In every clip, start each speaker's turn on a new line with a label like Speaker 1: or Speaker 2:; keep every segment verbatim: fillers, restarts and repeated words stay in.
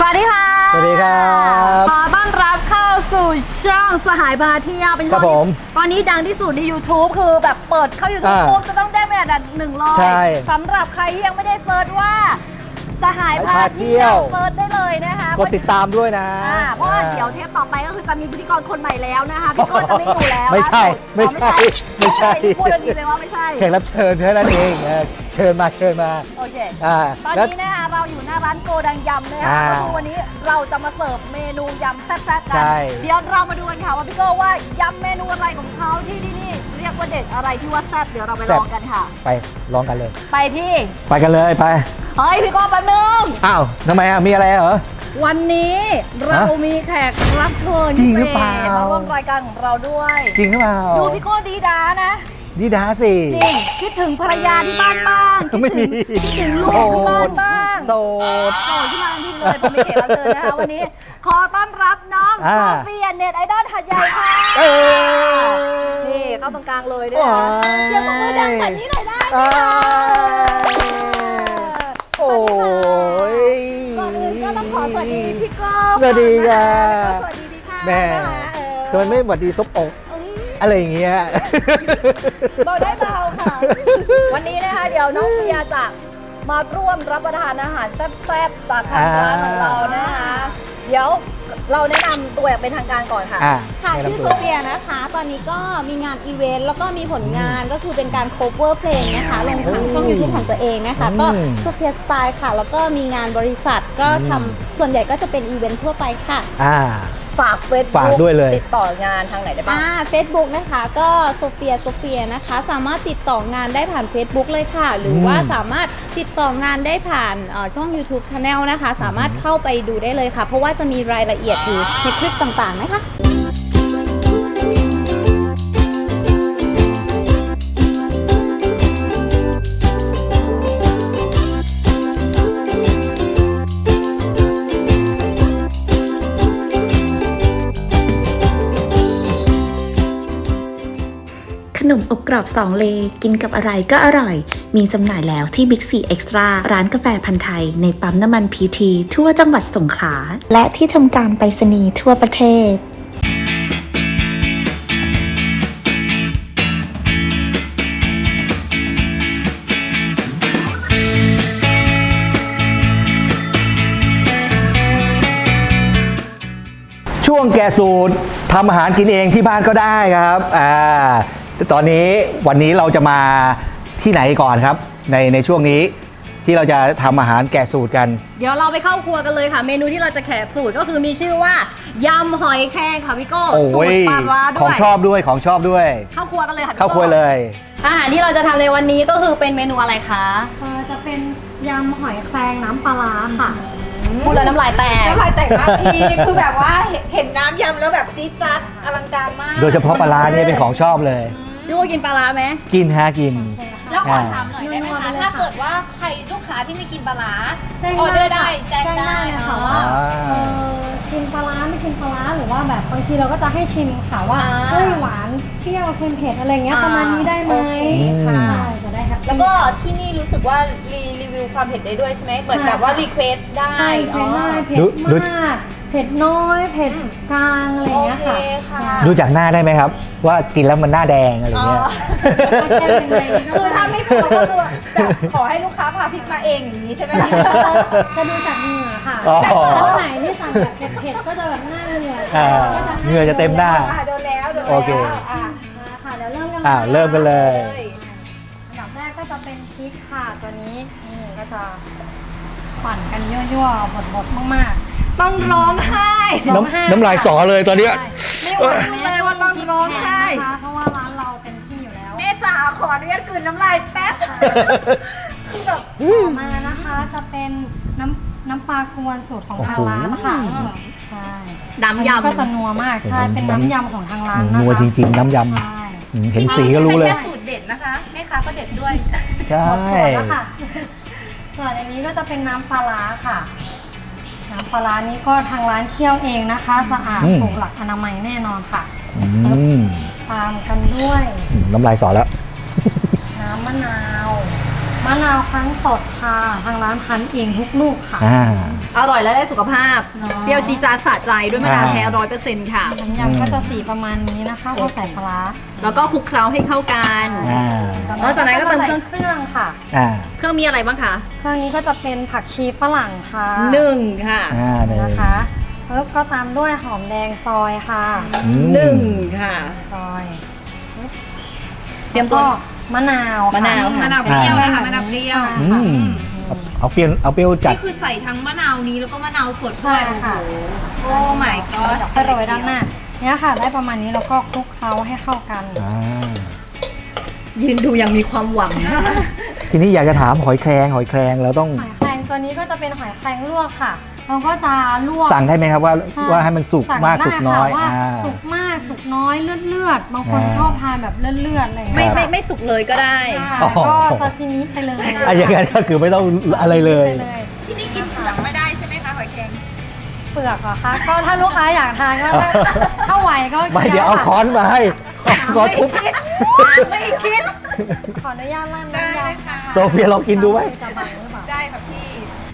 Speaker 1: วัสดีค่ะ
Speaker 2: สวัสดีครับ
Speaker 1: ขอต้อนรับเข้าสู่ช่องสหายพาเที่ยวเป็นช่องที่ตอนนี้ดังที่สุดใน YouTube คือแบบเปิดเข้า YouTube ปุ๊บจะต้องได้เป็นอันดับหนึ่งร้อยสำหรับใครที่ยังไม่ได้เซิร์ชว่าสหายพาเที่ยวเซิร์ชได้เลยนะคะ
Speaker 2: กดติดตามด้วยนะ
Speaker 1: เพราะว่าเดี๋ยวเทปต่อไปก็คือจะมีพิธีกรคนใหม่แล้วนะคะพี่โก้จะไม่อยู่แล้ว
Speaker 2: ไม่ใช่ไม่ใช่ไม่ใช่
Speaker 1: พูดดีเลยว่าไม่ใช่
Speaker 2: แขกรับเชิญเท่านั้นเองเชิญมาเชิญมา
Speaker 1: โอเคตอนนี้นะคะเราอยู่หน้าร้านโกดังยำนะคะก็คือวันนี้เราจะมาเสิร์ฟเมนูยำแซ่บๆกันเดี๋ยวเรามาดูกันค่ะว่าพี่โก้ว่ายำเมนูอะไรของเขาที่ที่นี่เรียกว่าเด็ดอะไรที่ว่าแซ่บเดี๋ยวเราไปลองกันค่ะ
Speaker 2: ไปลองกันเลย
Speaker 1: ไปที่
Speaker 2: ไปกันเลยไป
Speaker 1: เฮ้ยพี่โก้แป๊บนึง
Speaker 2: อ้าวทำไมอ่ะมีอะไรเหรอ
Speaker 1: วันนี้เรามีแขกรับเชิญ
Speaker 2: จริงหรือเปล่า
Speaker 1: มาร่วมรายการของเราด้วย
Speaker 2: จริงหรือเปล่า
Speaker 1: ดูพี่โก้ดีดานะ
Speaker 2: ดีดาสิ
Speaker 1: จริงคิดถึงภรรยาที่บ้านบ้าง
Speaker 2: ไม่มี
Speaker 1: คิดถึงลูกที่บ้านบ้าง
Speaker 2: โสด
Speaker 1: โสดที่บ้านที่เลยเป็นแขกรับเชิญนะคะวันนี้ขอต้อนรับน้องโซเฟียเน็ตไอดอลหัดใหญ่ค่ะนี่เข้าตรงกลางเลยด้วยนะเสียงปรบมือดังแบบนี้หน่อยได้ไหมคะ
Speaker 2: โอ้ย
Speaker 1: ก่อนอื่นก็ต้องขอสวัสดีพี่ก้อ
Speaker 2: สวัสดีค่ะ
Speaker 1: สวัสดีพี่ค่ะ
Speaker 2: แม่ทำไมไม่สวัสดีซบอกอะไรอย่างเงี้ย
Speaker 1: เบาได้เบาค่ะวันนี้นะคะเดี๋ยวน้องเฟียจะมาร่วมรับประทานอาหารแซ่บๆจากทางร้านของเรานะคะเดี๋ยวเราแนะนำตัวอย่างเป็นทางการก่อนค่ะ
Speaker 3: ค่ะชื่อโซเฟียนะคะตอนนี้ก็มีงานอีเวนต์แล้วก็มีผลงานก็คือเป็นการ cover เพลงนะคะลงทางช่อง YouTube ของตัวเองนะคะก็โซเฟียสไตล์ค่ะแล้วก็มีงานบริษัทก็ทำส่วนใหญ่ก็จะเป็นอีเวนต์ทั่วไปค่ะ
Speaker 1: ฝากเฟซบุ๊กติดต่องานทางไหนได้บ้าง
Speaker 3: อ่าเฟซบุ๊กนะคะก็โซเฟียโซเฟียนะคะสามารถติดต่องานได้ผ่าน Facebook เลยค่ะหรือว่าสามารถติดต่องานได้ผ่านช่อง YouTube Channel นะคะสามารถเข้าไปดูได้เลยค่ะเพราะว่าจะมีรายละเอียดอยู่ในคลิปต่างๆนะคะ
Speaker 4: ขนมอบกรอบสองเลกินกับอะไรก็อร่อยมีจำหน่ายแล้วที่ Big C Extra ร้านกาแฟพันธุ์ไทยในปั๊มน้ำมันพีทีทั่วจังหวัดสงขลาและที่ทำการไปรษณีย์ทั่วประเทศ
Speaker 2: ช่วงแก่สูตรทำอาหารกินเองที่บ้านก็ได้ครับอ่าตอนนี้วันนี้เราจะมาที่ไหนก่อนครับในในช่วงนี้ที่เราจะทำอาหารแก่สูตรกัน
Speaker 1: เดี๋ยวเราไปเข้าครัวกันเลยค่ะเมนูที่เราจะแกะสูตรก็คือมีชื่อว่ายำหอยแครงค่ะพี่โก้สูตรปลาร้าด้วย
Speaker 2: ของชอบด้วยของชอบด้วย
Speaker 1: เข้าครัวกันเลยค่ะ
Speaker 2: เข้าครัวเลย
Speaker 1: อาหารที่เราจะทำในวันนี้ก็คือเป็นเมนูอะไรคะ
Speaker 3: จะเป็นยำหอยแครงน้ำปลาร้าค่ะ
Speaker 1: พูดแล้วน้ำลายแตก
Speaker 3: น้ำลายแตกมากทีคือแบบว่าเห็นน้ำยำแล้วแบบจี๊ดจ๊าดอลังการมาก
Speaker 2: โดยเฉพาะปลาร้าเนี่ยเป็นของชอบเลย
Speaker 1: พี่โก้กินปลาร้าไหม
Speaker 2: กินฮะกิน
Speaker 3: แล้วขอถามหน่อยได้ไหมคะถ้าเกิดว่าใครลูกค้าที่ไม่กินปลาร้าออเดอร์ได้แจ้งได้
Speaker 5: ค่ะว่ากินปลาร้าไม่กินปลาร้าหรือว่าแบบบางทีเราก็จะให้ชิมค่ะว่าเฮ้ยหวานเปรี้ยวเค็มเผ็ดอะไรเงี้ยประมาณนี้ได้ไหมค่ะจะได้ครับ
Speaker 3: แล้วก็ที่นี่รู้สึกว่ารีรีวิวความเผ็ดได้ด้วยใช่ไหมเหมือนกับว่ารีเควสได้
Speaker 5: ใช่เผ็ดได้เผ็ดมากเผ็ดน้อยเผ็ดกลางอะไรเงี้ยค่ะ
Speaker 2: ดูจากหน้าได้ไหมครับว่ากินแล้วมันหน้าแดงอะไรเงี้ย
Speaker 3: คือถ้าไม่พอก็คือแบบขอให้ลูกค้าพาพริกมาเองอย่างนี้ใช่ไหมคะ
Speaker 5: จะดูจากเหงื่อค่ะแล้วไหนที่สั่งแบบเผ็ดๆก็จะแบบหน้าเหงื่อ
Speaker 2: เหงื่อจะเต็มหน้า
Speaker 3: โดนแล้วโดนแล้ว
Speaker 2: โอเค
Speaker 5: ค่ะเดี๋ยวเริ่มกัน
Speaker 2: อ่าเริ่มกันเลย
Speaker 5: อันดับแรกก็จะเป็นพริกค่ะตัวนี้นี่ก็จะปั่นกันยั่วๆบดๆมากๆ
Speaker 1: ต้องร้องไห้
Speaker 2: น้ำน้ำลายสอเลยตอนนี้
Speaker 1: ไม่ไหวเลยว่าต้องร้องไห้
Speaker 5: เพราะว่าร้านเราเป็นที่อยู่แล้ว
Speaker 3: แม่จ๋าขออนุญาตกลืนน้ำลายแป๊บ
Speaker 5: คือแบบต่อมานะคะจะเป็นน้ำน้ำปลากวนสูตรของทางร้านค่ะใช่
Speaker 1: น้ำยำ
Speaker 5: ก็จะนัวมากใช่เป็นน้ำยำของทางร้านนะคะ
Speaker 2: นัวจริงๆน้ำยำเห็นสีก็รู้เลย
Speaker 3: แค่สูตรเด็ดนะคะแม่ค้าก็เด็ดด้วย
Speaker 2: ใช่
Speaker 5: ส่วนอันนี้ก็จะเป็นน้ำปลาร้าค่ะน้ำปลาร้านี้ก็ทางร้านเคี่ยวเองนะคะสะอาดถูกหลักอนามัยแน่นอนค่ะตามกันด้วย
Speaker 2: น้ำลายสอแล้ว
Speaker 5: น้ำมะนาวมะนาวคั้นสดค่ะทางร้านคั้นเองทุกลูกค่ะ
Speaker 2: อ่า
Speaker 1: อร่อยและได้สุขภาพ
Speaker 5: เนอะ
Speaker 1: เปรี้ยวจีดจาดสะใจด้วยมะนาว
Speaker 2: อ่า
Speaker 1: แท้ร้อยเปอร์เซ็นต์ค่ะ
Speaker 5: น้ำยำก็จะสีประมาณนี้นะคะพอใส่ปลาร้า
Speaker 1: แล้วก็คลุกเคล้าให้เข้ากัน
Speaker 2: อ่า
Speaker 1: นอกจากนั้นก็เติมเครื่อง
Speaker 5: เครื่องค่ะ
Speaker 2: อ่า
Speaker 1: เครื่องมีอะไรบ้างคะ
Speaker 5: เครื่องนี้ก็จะเป็นผักชีฝรั่งค่ะ
Speaker 1: หนึ่งค่ะ
Speaker 2: อ่าหนึ่ง
Speaker 5: นะคะแล้วก็ตามด้วยหอมแดงซอยค่ะ
Speaker 2: อืม
Speaker 1: หนึ่งค่ะ
Speaker 5: ซอย
Speaker 1: เตรียมตัว
Speaker 5: ก็มะนาวค่
Speaker 1: มะนาวค่ะ
Speaker 6: มะนาวเปรี้ยวนะคะมะนาวเปรี้ยว
Speaker 2: อืมเอาเอาเปรี้ยวเอาเปรี้ยวจัด
Speaker 6: นี่คือใส่ทั้งมะนาวนี้แล้วก็มะนาวสดด้
Speaker 5: ใช่
Speaker 6: วย
Speaker 5: ค่ะ
Speaker 6: โอ้ my god
Speaker 5: ไปโรยด้านหน้าเนี่ยค่ะ ได้ประมาณนี้แล้วก็คลุกเคล้าให้เข้ากัน
Speaker 2: อ่า
Speaker 1: ยืนดูอย่างมีความหวัง
Speaker 2: ทีนี้อยากจะถามหอยแครงหอยแครงเราต้อง
Speaker 5: หอยแครงตัวนี้ก็จะเป็นหอยแครงลวกค่ะ เราก็จะลวก
Speaker 2: สั่งได้ไหมครับว่า
Speaker 5: ใช่
Speaker 2: ว่าให้มันสุก
Speaker 5: สั่ง
Speaker 2: มาก
Speaker 5: ได้
Speaker 2: สุกน้อย
Speaker 5: ค่ะว่า
Speaker 2: อ่า
Speaker 5: สุกมากสุกน้อยเลือดเลือดๆบางคน
Speaker 2: อ่า
Speaker 5: ชอบทานแบบเลือดเลือดๆอะไรอย่าง
Speaker 1: ไม่
Speaker 5: เงี้ย
Speaker 1: ไม่ไม่สุกเลยก็ได้
Speaker 2: อ๋อ
Speaker 5: ก็ซาซิมิไปเลย
Speaker 2: อ่ะอย่างนั้นก็คือไม่ต้องอะไรเลย
Speaker 5: ไปเลย
Speaker 6: ที่นี่กินเปลือกไม่ได้ใช่ไหมคะหอยแครง
Speaker 5: เปลือกเหรอคะก็ถ้าลูกค้าอยากทานก็ได้ถ้าไหวก็
Speaker 2: ไม่เดี๋ยวเอาค้อนมาให้เอาค้อนทุบ
Speaker 1: ไม่คิด
Speaker 5: ขออนุญาตลั่น
Speaker 6: ได้
Speaker 5: น้ำ
Speaker 6: เลย
Speaker 5: ยำ
Speaker 6: ค่ะ
Speaker 2: โซเฟียลองกินดูไหม
Speaker 5: จะบังหรือเปล่า
Speaker 6: ได้ค่ะพี่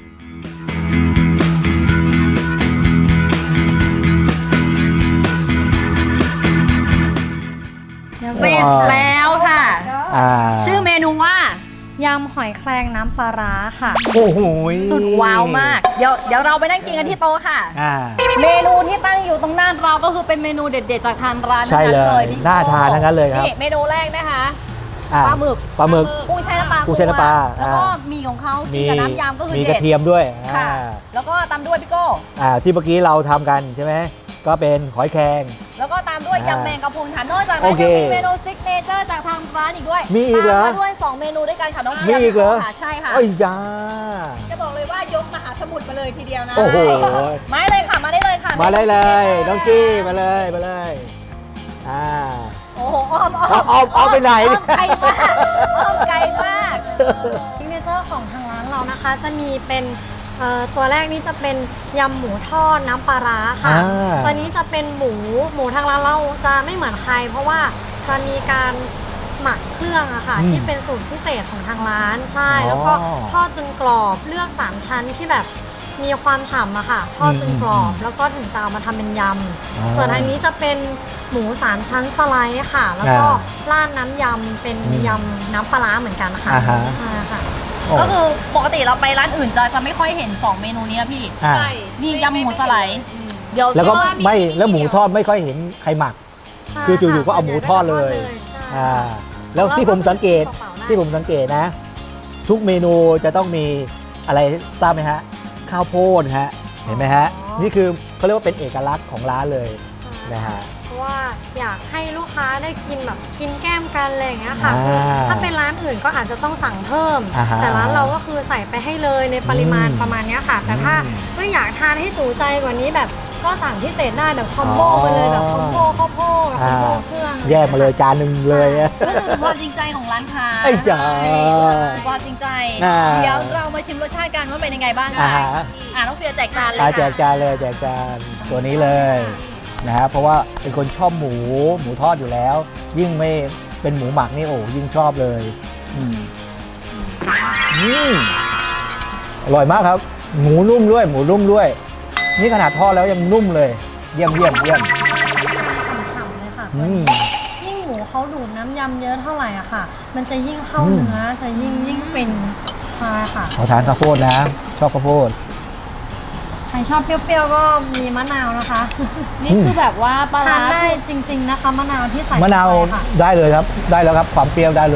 Speaker 1: เสร็จแล้วค่ะ
Speaker 2: อ่า
Speaker 1: ชื่อเมนูว่า
Speaker 5: ยำหอยแครงน้ำปลาร้าค่ะ
Speaker 2: โอ้โห
Speaker 1: สุดว้าวมาก เดี๋ยวเดี๋ยวเราไปนั่งกินกันที่โต๊ะค่ะ
Speaker 2: อ่า
Speaker 1: เมนูที่ตั้งอยู่ตรงหน้าเราก็คือเป็นเมนูเด็ดๆจากทางร้าน
Speaker 2: ใช่เลย
Speaker 1: ทั้งนั้นพี่
Speaker 2: น่าทานทั้งนั้นเลยครับ
Speaker 1: นี่เมนูแรกนะคะ
Speaker 2: อ่
Speaker 1: ปลาหมึก
Speaker 2: ปลาหมึก
Speaker 1: กุ้งแช่น้ำปลา
Speaker 2: กุ้งแช่น้ำปลา
Speaker 1: แล้วก็
Speaker 2: อ่า
Speaker 1: มีของเขา
Speaker 2: มี
Speaker 1: มีกับน้ำยำก็คือ
Speaker 2: มี
Speaker 1: เด็
Speaker 2: ก
Speaker 1: ด
Speaker 2: ระเทียมด้วย
Speaker 1: ค่ะ
Speaker 2: อ่า
Speaker 1: แล้วก็ตามด้วยพี่โก้
Speaker 2: อ่าที่เมื่อกี้เราทำกันใช่ไหมก็เป็นหอยแครง
Speaker 1: แล้วก็ตามด้วย
Speaker 2: อ่าย
Speaker 1: ำแมงกะพรุนค่ะนอกจาก
Speaker 2: โอ
Speaker 1: นั้น
Speaker 2: เค
Speaker 1: ยังมีเมนูซิกเนเจอร์จากทางร้านอีกด้วย
Speaker 2: มีอีกเหรอ
Speaker 1: ตามมาด้วยสองเมนูด้วยกันค่ะน้อง
Speaker 2: มีอีกเหรอ
Speaker 1: ค่ะใช่ค่ะ
Speaker 2: เอ้ยจ้า
Speaker 6: จะบอกเลยว่ายกมหาสมุทรมาเลยทีเดียวนะ
Speaker 2: โอ้โห
Speaker 1: มาเลยค่ะมาได้เลยค่ะ
Speaker 2: มาได้เลยน้องจี้มาเลยมาเลยอ่า
Speaker 1: โอ้โหอ้อมอ้อม
Speaker 2: เอาเอาเอาไปไหน
Speaker 1: อ้อมไกลมากอ้อมไกลมาก
Speaker 5: ซิกเนเจอร์ของทางร้านเรานะคะ จะมีเป็นเอ่อตัวแรกนี้จะเป็นยำหมูทอดน้ำปลาร้าค่ะ
Speaker 2: อ่า
Speaker 5: ตัวนี้จะเป็นหมูหมูทางร้านเราจะไม่เหมือนใคร เพราะว่าจะมีการหมักเครื่องอะค่ะ
Speaker 2: อืม
Speaker 5: ที่เป็นสูตรพิเศษของทางร้านใช่
Speaker 2: อ๋อ
Speaker 5: แล้วก็ทอดจนกรอบเลือกสามชั้นที่แบบมีความฉ่ำอะค่ะทอดจนกรอบ แล้วก็ถึงจะเอามาทำเป็นย
Speaker 2: อ๋อ
Speaker 5: ำส่วนทางนี้จะเป็นหมูสามชั้นสไลด์ค่ะ แล้วก็
Speaker 2: อ่า
Speaker 5: ราดน้ำยำเป็น
Speaker 2: อืม
Speaker 5: ยำน้ำปลาร้าเหมือนกันค่ะ
Speaker 2: อ่าฮะ
Speaker 5: ใช่ค่ะ
Speaker 2: โอ้
Speaker 1: ก็คือปกติเราไปร้านอื่นจะจะไม่ค่อยเห็นสองเมนูนี้นะพี่
Speaker 2: อ่า
Speaker 1: นี่ยำหมูสไลด์เดี๋ยว
Speaker 2: แล้วก็
Speaker 1: ที่ว่า
Speaker 2: ไม่แล้วหมูทอดไม่ค่อยเห็นใครหมัก คือจู่ๆก็เอาหมูทอดเลย
Speaker 5: ใช่
Speaker 2: อ่าแล้วที่ผมสังเกตที่ผมสังเกตนะ ทุกเมนูจะต้องมีอะไรทราบไหมฮะ ข้าวโพดฮะเห็นไหมฮะ นี่คือเขาเรียกว่าเป็นเอกลักษณ์ของร้านเลยนะฮะ
Speaker 5: เพราะว่าอยากให้ลูกค้าได้กินแบบกินแก้มกันอะไรอย่างเงี้ยค่ะ
Speaker 2: อ่า
Speaker 5: คือถ้าเป็นร้านอื่นก็อาจจะต้องสั่งเพิ่ม
Speaker 2: อ่าฮะ
Speaker 5: แต่ร้านเราก็คือใส่ไปให้เลยในปริมาณ
Speaker 2: อืม
Speaker 5: ประมาณเนี้ยค่ะ แต่ถ้า
Speaker 2: อืม
Speaker 5: ไม่อยากทานให้จูใจกว่านี้แบบก็สั่งพิเศษได้แบบคอมโบ
Speaker 2: อ๋อ
Speaker 5: ไปเลยแบบคอมโบข้าวโพดคอมโบ
Speaker 2: อ่า
Speaker 5: เครื่อง
Speaker 2: แยกมาเลยจานหนึ่งเลยอะ
Speaker 1: รู้สึกถึงความจริงใจของร้านค้า
Speaker 2: ไอ้จ๋า
Speaker 1: ความจริงใจ
Speaker 2: อ่า
Speaker 1: เดี๋ยวเรามาชิมรสชาติกันว่าเป็นยังไงบ้าง
Speaker 2: อ่า
Speaker 1: ค่ะ
Speaker 2: ฮะ
Speaker 1: อ่าน้องเฟียแจกจานเลย
Speaker 2: อา
Speaker 1: ค่ะ
Speaker 2: แจกจานเลยแจกจานตัวนี้เลยนะฮะเพราะว่าเป็นคนชอบหมูหมูทอดอยู่แล้ว ยิ่งไม่เป็นหมูหมักนี่โอ้ยิ่งชอบเลยอืมอืมอร่อยมากครับ หมูนุ่มด้วย หมูนุ่มด้วย นี่ขนาดทอดแล้วยังนุ่มเลย เยี่ยมเยี่ยมเยี่ยม
Speaker 5: ฉ่ำๆเลยค่ะ
Speaker 2: อืม
Speaker 5: ยิ่งหมูเขาดูดน้ำยำเยอะเท่าไหร่อะค่ะ มันจะยิ่งเข้า
Speaker 2: อืม
Speaker 5: เนื้อจะยิ่งยิ่งเป็นใช่ค่ะ
Speaker 2: ขอทานข้าวโพดนะ ชอบข้าวโพด
Speaker 5: ใครชอบเปรี้ยวๆก็มีมะนาวนะคะ
Speaker 1: นี่คือแบบว่าปลา
Speaker 5: ทา
Speaker 1: ร้าน
Speaker 5: ได้จริง ๆนะคะมะนาวที่ใส่
Speaker 2: มะนาว
Speaker 5: ไปค่ะ
Speaker 2: ได้เลยครับ ได้แล้วครับ ความเปรี้ยวได้เลย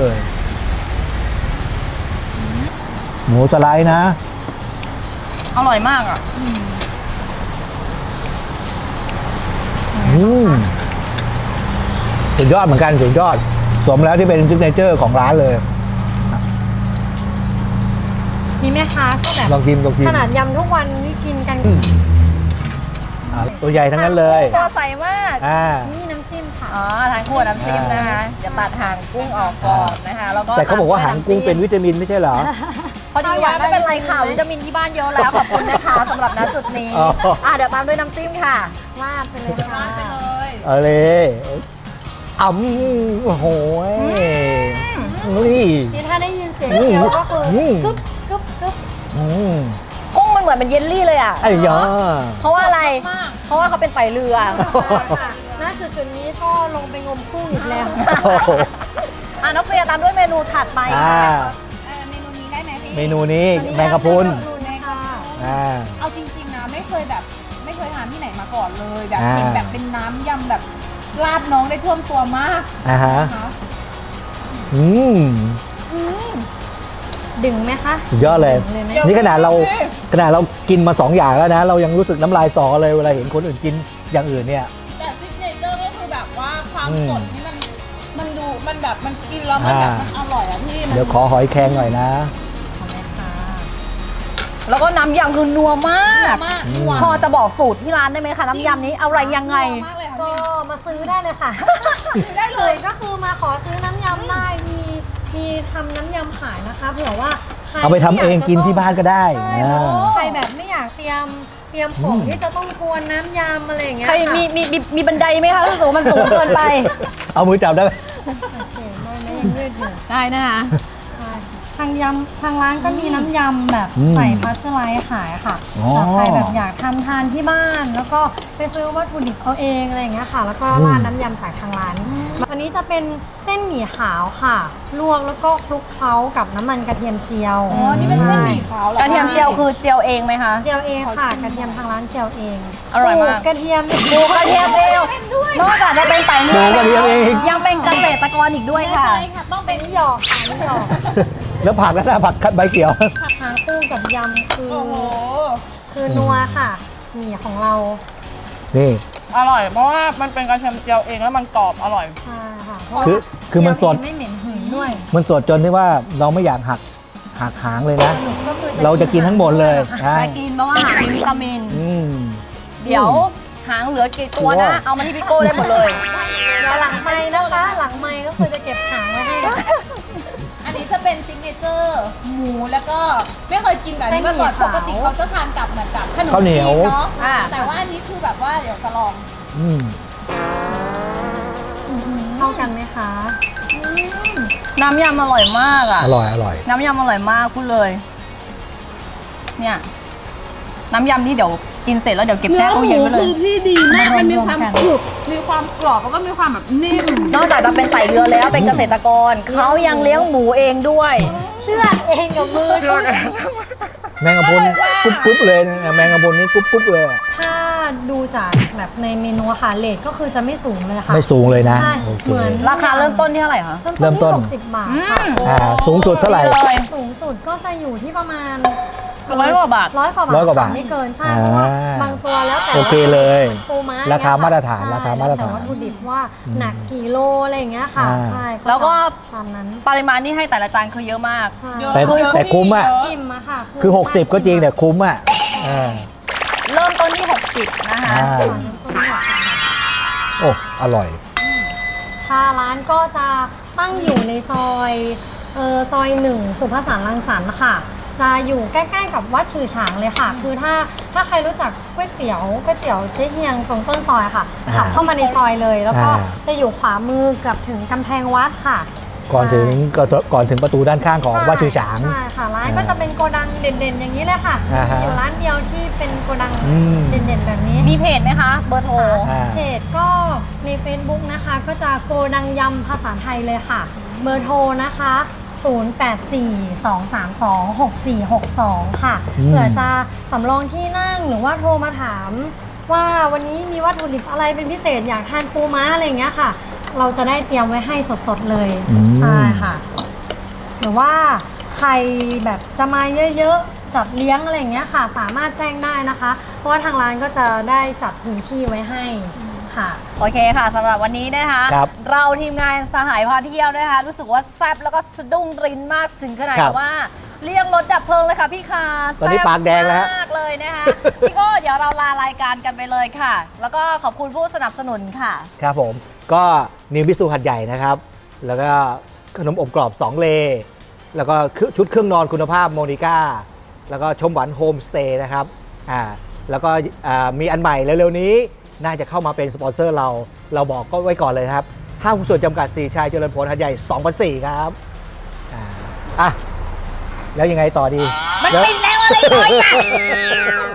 Speaker 2: หมูสไลด์นะ
Speaker 1: อร่อยมากอ่ะ
Speaker 2: อืมสุดยอดเหมือนกันสุดยอด สมแล้วที่เป็นซิกเนเจอร์ของร้านเลย
Speaker 5: มีแม่ค้าก็แบบ
Speaker 2: ลองชิมลองชิม
Speaker 5: ขนาดยำทุกวันนี่กินกัน
Speaker 2: อืม อ่าตัวใหญ่ทั้งนั้นเลย
Speaker 1: ตัวใสมาก
Speaker 2: อ่า
Speaker 5: นี่น้ำจิ้มค่ะ
Speaker 1: อ๋อทางขวดน้ำจิ้มนะคะจะตัดหางกุ้งออกก่อนนะคะแล้วก็
Speaker 2: แต่เขาบอกว่าหางกุ้งเป็นวิตามินไม่ใช่เหรอ
Speaker 1: พอดีว่าไม่เป็นไรค่ะวิตามินที่บ้านเยอะแล้วขอบคุณนะคะสำหรับณจุดนี้
Speaker 2: อ๋ออ่
Speaker 1: อ่ะเดี๋ยวตามด้วยน้ำจิ้มค่ะ
Speaker 5: ลาดไปเลยค่ะ
Speaker 2: เอาเลยอ่ำโอ้โหนี่
Speaker 5: นี่ถ้าได้ยินเสียงเคี้ยวก็คือ
Speaker 2: อืม
Speaker 5: กึ๊บกึ๊บกึ๊บ
Speaker 2: อืม
Speaker 1: กุ้งมันเหมือนเป็นเยลลี่เลยอ่ะ
Speaker 2: ไอ้ยา
Speaker 1: เพราะว่าอะไร เพราะว่าเขาเป็นไตเรือ
Speaker 5: ค่ะณจุดจุดๆนี้ก็ลงไปงมกุ้งอีกแล้ว
Speaker 2: โอ้โห
Speaker 1: อ่ะน้องเฟียตามด้วยเมนูถัดไป
Speaker 2: อ่า
Speaker 6: เออเมนูนี้ได้ไหมพี่
Speaker 2: เมนูนี้แมงกะพรุน
Speaker 5: แมงกะพรุนค่ะ
Speaker 2: อ่า
Speaker 6: เอาจริงๆนะไม่เคยแบบไม่เคยทานที่ไหนมาก่อนเลยแบบ
Speaker 2: อ่า
Speaker 6: เห็นแบบเป็นน้ำยำแบบราดน้องได้ท่วมตัวมาก
Speaker 2: อ่าฮะ
Speaker 6: นะคะ
Speaker 2: อืม
Speaker 5: ดึงไหมคะ
Speaker 2: สุดยอดเลย
Speaker 5: ดึงเลยไหม
Speaker 2: นี่ขนาดเราขนาดเรากินมาสองอย่างแล้วนะ เรายังรู้สึกน้ำลายสอเลยเวลาเห็นคนอื่นกินอย่างอื่นเนี่ย
Speaker 6: แต่ซิกเนเจอร์ก็คือแบบว่าความ
Speaker 2: อืม
Speaker 6: สดนี่มันมันดูมันแบบมันกินแล้วมันแบบ
Speaker 2: อ่ามั
Speaker 6: มันอร่อยอะพี่มัน
Speaker 2: เดี๋ยวขอหอยแครงหน่อยนะ
Speaker 1: แล้วก็น้ำยำคือนัวมาก
Speaker 6: มาก
Speaker 2: อืม
Speaker 6: หวาน
Speaker 1: พอจะบอกสูตรที่ร้านได้ไหมคะน้ำยำนี้อะไรยังไง
Speaker 6: มากเลยค่ะ
Speaker 5: ก็
Speaker 6: พี่
Speaker 5: มาซื้อได้เลยค่ะ
Speaker 6: ได้เลย
Speaker 5: ก็คือมาขอซื้อน้ำยำได้มีมีทำน้ำยำขายนะคะเผื่อว่าใคร
Speaker 2: เอาไปทำเองกินที่บ้านก็ได้
Speaker 5: ใช่
Speaker 2: อ่า
Speaker 5: ใครแบบไม่อยากเตรียมเตรียมของ
Speaker 2: อืม
Speaker 5: ที่จะต้องกวนน้ำยำอะไรอย่างเงี้ย
Speaker 1: ใคร
Speaker 5: ค่ะ
Speaker 1: มีมีมีมีบันไดไหมคะรู้สึกว่ามันสูงเกินไป
Speaker 2: เอามือจับได้ไหม
Speaker 5: โอเคไม่ไม่ยังยืดอยู่
Speaker 1: ได้นะคะ
Speaker 5: ใช่ทางยำทางร้านก็มีน้ำยำแบบ
Speaker 2: อืม
Speaker 5: ใส่พัชไลท์ขายค่ะ
Speaker 2: อ๋อ
Speaker 5: แต่ใครแบบอยากทำทานที่บ้าน แล้วก็ไปซื้อวัตถุดิบเอาเองอะไรอย่างเงี้ยค่ะ แล้วก็ราดน้ำยำจากทางร้านอันนี้จะเป็นเส้นหมี่ขาวค่ะ ลวกแล้วก็คลุกเคล้ากับน้ำมันกระเทียมเจียว
Speaker 6: อ๋อนี่เป็นเส้นหมี่ขาวหอก
Speaker 1: ระเทียมเจียวคือเจียวเองไหมคะ
Speaker 5: เจียวเองค่ะกระเทียมทางร้านเจียวเอง
Speaker 1: อร่อยมาก
Speaker 5: ปลูกระเทียม
Speaker 1: ปลูกกระเทียมเองนอกจากจะเป็นไต่
Speaker 2: ปลูกกระเทียมเอง
Speaker 1: ยังเป็นเกษตรกรอีกด้วยค่ะ
Speaker 5: ใช่ค่ะต้องเป็นนิยอกค่ะนิยอก
Speaker 2: แล้วผักแล้วนะผักใบเขียว
Speaker 5: ผักหางคู่กับยำคือ
Speaker 6: โอ้โห
Speaker 5: คือนัวค่ะหมี่ของเรา
Speaker 2: นี่
Speaker 6: อร่อยเพราะว่ามันเป็นกระเทียมเจียวเองแล้วมันกรอบอร่อย
Speaker 5: ใช่ค่ะ
Speaker 2: คือคือมันสด
Speaker 5: ไม่เหม็นหืนด้วย
Speaker 2: มันสดจนที่ว่าเราไม่อยากหักหักหางเลยนะ
Speaker 5: สรุปก็คือ
Speaker 2: เราจะกินทั้งหมดเลยใช่
Speaker 1: ไปกินเพราะว่าหางมีวิตามิน
Speaker 2: อืม
Speaker 1: เดี๋ยวหางเหลือกี่ตัวนะ เอามาที่พี่โก้ได้หมดเลย
Speaker 5: เดี๋ยวหลังไม้นะคะ หลังไม้ก็คือจะเก็บหางไว้ให้
Speaker 6: อันนี้จะเป็นซิกเนเจอร์หมูแล้วก็ไม่เคยกินกับอันนี้มาก่อน
Speaker 5: เส้นหมี่ขาว
Speaker 6: ปกติเขาจะทานกับเหมือนกับขนม
Speaker 2: ข้าวเหนียว
Speaker 6: จีเนาะ
Speaker 1: อ่า
Speaker 6: แต่ว่าอันนี้คือแบบว่าเดี๋ยวจะลอง
Speaker 2: อืม
Speaker 5: เข้ากันไหมคะ
Speaker 1: น้ำยำอร่อยมากอ่ะ
Speaker 2: อร่อยอร่อย
Speaker 1: น้ำยำอร่อยมากพูดเลย เนี่ย น้ำยำนี่เดี๋ยวกินเสร็จแล้วเดี๋ยวเก็บแช่ตู้เย็นไว้เลย
Speaker 6: คือพี่ดีมาก มันมีความ
Speaker 5: รวมกัน
Speaker 6: กรุบมีความกรอบแล้วก็มีความแบบนิ่ม
Speaker 1: นอกจากจะเป็นไต่เรือแล้วเป็นเกษตรกร เขายังเลี้ยงหมูเองด้วย
Speaker 5: เชื่อเองกับมือ
Speaker 2: แมงกะพรุนกรุบกรุบเลยนะแมงกะพรุนนี่กรุบกรุบเลยอะ
Speaker 5: ถ้าดูจากแบบในเมนูอะค่ะเลทก็คือจะไม่สูงเลยค่ะ
Speaker 2: ไม่สูงเลยนะ
Speaker 5: ใช่
Speaker 2: โอเค
Speaker 5: เหมือน
Speaker 1: ราคาเริ่มต้นที่เท่าไหร่คะ
Speaker 2: เริ่มต้น
Speaker 5: ที่หกสิบบาทค่ะ
Speaker 2: อ่าสูงสุดเท่าไหร่
Speaker 1: เลย
Speaker 5: สูงสุดก็จะอยู่ที่ประมาณ
Speaker 1: ร้อยกว่าบาท
Speaker 5: ร้อยกว่าบาท
Speaker 2: ร้อยกว่าบาท
Speaker 5: ค่ะไม่เกินใช่เพราะว่า
Speaker 2: อ่า
Speaker 5: บางตัวแล้วแต่
Speaker 2: โอเคเลย
Speaker 5: ปูม้า
Speaker 2: ราคามาตรฐาน
Speaker 5: ใช่
Speaker 2: ราคามาตรฐาน
Speaker 5: แล้วแต่วัตถุดิบว่าหนักกี่โลอะไรอย่างเงี้ยค่ะ
Speaker 2: อ่า
Speaker 5: ใช่
Speaker 1: แล้วก็
Speaker 5: ตามนั้น
Speaker 1: ปริมาณที่ให้แต่ละจานคือเยอะมาก
Speaker 5: ใช่
Speaker 2: แต่แต่คุ้มอ่ะ
Speaker 5: อิ่มอะค่ะ
Speaker 2: คือ หกสิบ ก็จริงแต่คุ้มอ่ะอ่า
Speaker 1: เริ่มต้นที่ หกสิบนะคะ
Speaker 2: อ่า
Speaker 5: ก่อนต้นหกสิบบาท
Speaker 2: โอ้อร่อย
Speaker 5: ค่ะร้านก็จะตั้งอยู่ในซอยเออซอยหนึ่งสุภาษานรังสรรค์ค่ะจะอยู่ใกล้ๆกับวัดฉือฉางเลยค่ะ คือถ้าถ้าใครรู้จักก๋วยเตี๋ยวก๋วยเตี๋ยวเจ๊เฮียงตรงต้นซอยค่ะ
Speaker 2: อ่า
Speaker 5: ขับเข้ามาในซอยเลย แล้วก็
Speaker 2: อ่า
Speaker 5: จะอยู่ขวามือเกับถึงกำแพงวัดค่ะ
Speaker 2: ก่อนถึงก่อนก่อนถึงประตูด้านข้างของ
Speaker 5: ใช่
Speaker 2: วัดชื่อฉาง
Speaker 5: ใช่ค่ะร้าน
Speaker 2: อ่า
Speaker 5: ก็จะเป็นโกดังเด่นๆ อย่างนี้เลยค่ะ
Speaker 2: อ่าฮะ
Speaker 5: อยู่ร้านเดียวที่เป็นโกดัง
Speaker 2: อืม
Speaker 5: เด่นๆ แบบนี้
Speaker 1: มีเพจไหมคะ เบอร์โทร
Speaker 2: อ่า
Speaker 5: เพจก็ใน Facebook นะคะ ก็จะโกดังยำภาษาไทยเลยค่ะ เบอร์โทรนะคะ ศูนย์ แปด สี่ สอง สาม สอง หก สี่ หก สอง ค่ะ
Speaker 2: อืม
Speaker 5: เผื่อจะสำรองที่นั่งหรือว่าโทรมาถาม ว่าวันนี้มีวัตถุดิบอะไรเป็นพิเศษอยากทานปูม้าอะไรอย่างเงี้ยค่ะ เราจะได้เตรียมไว้ให้สดๆเลย
Speaker 2: อืม
Speaker 5: ใช่ค่ะ หรือว่าใครแบบจะมาเยอะๆ จัดเลี้ยงอะไรอย่างเงี้ยค่ะ สามารถแจ้งได้นะคะ เพราะว่าทางร้านก็จะได้จัดพื้นที่ไว้ให้ค่ะ
Speaker 1: โอเคค่ะสำหรับวันนี้นะคะ
Speaker 2: ครับ
Speaker 1: เราทีมงานสหายพาเที่ยวนะคะรู้สึกว่าแซ่บแล้วก็สะดุ้งรินมากถึงขนาด
Speaker 2: ครับ
Speaker 1: ว่าเรียกรถดับเพลิงเลยค่ะพี่คา
Speaker 2: ตอนนี้ปากแดงแล้วฮะ
Speaker 1: ซ่บมากเลยนะคะ พี่โก็เดี๋ยวเราลารายการกันไปเลยค่ะ แล้วก็ขอบคุณผู้สนับสนุนค่ะ
Speaker 2: ครับผมก็นิวบิสูหัดใหญ่นะครับ แล้วก็ขนมอบกรอบ สอง เลแล้วก็ชุดเครื่องนอนคุณภาพโมนิก้าแล้วก็ชมหวานโฮมสเตย์นะครับอ่าแล้วก็อ่ามีอันใหม่เร็วๆนี้น่าจะเข้ามาเป็นสปอนเซอร์เราเราบอกก็ไว้ก่อนเลยครับห้างหุ้นส่วนจำกัดสี่ชายเจริญผลหัดใหญ่สองพันสี่ครับอ่าอ่ะแล้วยังไงต่อดี
Speaker 1: มัน
Speaker 2: เดี๋ยว
Speaker 1: ปิดแล้วอะไรเลยอ่ะ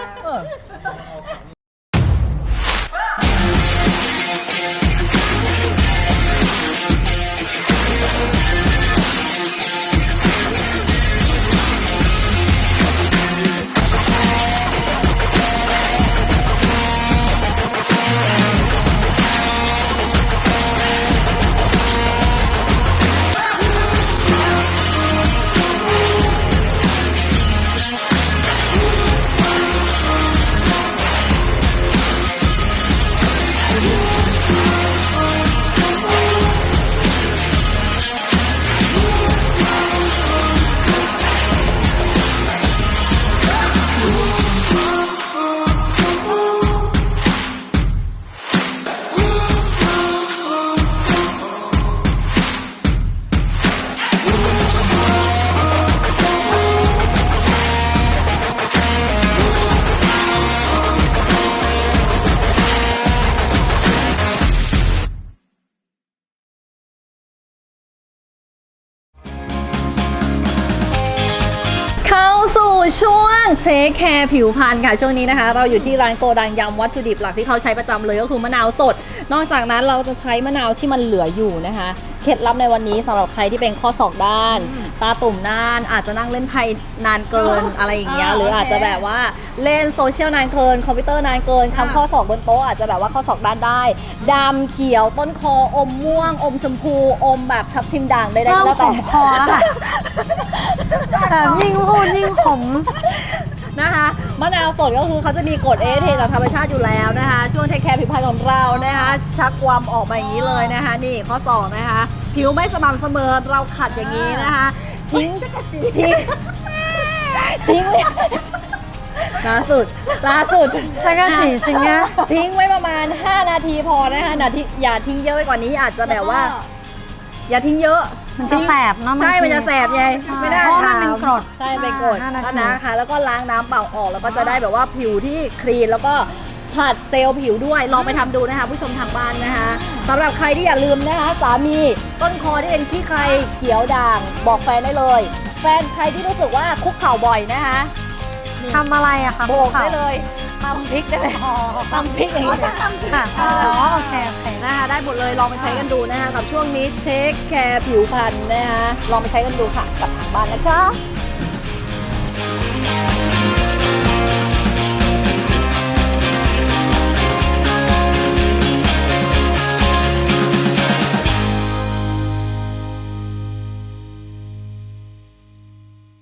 Speaker 1: เข้าสู่ช่วงเทคแคร์ผิวพรรณค่ะช่วงนี้นะคะ เราอยู่ที่ร้านโกดังยำวัตถุดิบหลักที่เขาใช้ประจำเลยก็คือมะนาวสด นอกจากนั้นเราจะใช้มะนาวที่มันเหลืออยู่นะคะเคล็ดลับในวันนี้สำหรับใครที่เป็นข้อศอกด้าน ตาตุ่มด้านอาจจะนั่งเล่นไพ่นานเกินอะไรอย่างเงี้ยหรืออาจจะแบบว่าเล่นโซเชียลนานเกินคอมพิวเตอร์นานเกินคำข้อศอกบนโต๊ะอาจจะแบบว่าข้อศอกด้านได้ดำเขียวต้นคออมม่วง อมชมพูอมแบบทับทิมด่างใดๆ
Speaker 5: เริ่
Speaker 1: ก็
Speaker 5: ม
Speaker 1: แล้ว
Speaker 5: ข
Speaker 1: แต่
Speaker 5: มคอแล้วค่ะแบบยิ่งพูดยิ่งขม
Speaker 1: นะคะมะนาวสดก็คือเขาจะมีกรดเอเทจากธรรมชาติอยู่แล้วนะคะช่วงเทคแคร์ผิวพรรณของเรานะคะชักความออกมาอย่างนี้เลยนะคะนี่ข้อสองนะคะผิวไม่สม่ำเสมอเราขัดอย่างนี้นะคะทิ้งทิ้งทิ้งล่าสุดล่าสุด
Speaker 5: จักรจีจริงนะ
Speaker 1: ทิ้งไว้ประมาณห้านาทีพอนะคะนาทีอย่าทิ้งเยอะไปกว่านี้อาจจะแบบว่า อย่าทิ้งเยอะ
Speaker 5: มันจะแสบเนอะบางที
Speaker 1: ใช่ มันจะแสบไง ไม่ได้
Speaker 5: เพราะมัน
Speaker 1: ทำ
Speaker 5: เป็นกรด
Speaker 1: ใช่เป็นกรด
Speaker 5: ห้านาที
Speaker 1: นะคะ แล้วก็ล้างน้ำเปล่าออก แล้วก็จะได้แบบว่าผิวที่คลีน แล้วก็ผัดเซลล์ผิวด้วย ลองไปทำดูนะคะ ผู้ชมทางบ้านนะคะสำหรับใครที่อย่าลืมนะคะ สามีต้นคอที่เป็นขี้ใครเขียวด่าง บอกแฟนได้เลย แฟนใครที่รู้สึกว่าคุกเข่าบ่อยนะคะ
Speaker 5: ทำอะไรอะคะ
Speaker 1: โบกได้เลยตำพริกได้เลยตำพริกอย่างนี้
Speaker 5: ค่ะอ๋อโอเคโอเค
Speaker 1: นะคะได้หมดเลยลองไปใช้กันดูนะคะกับช่วงนี้เทคแคร์ผิวพรรณนะคะลองไปใช้กันดูค่ะกับทางบ้านนะคะ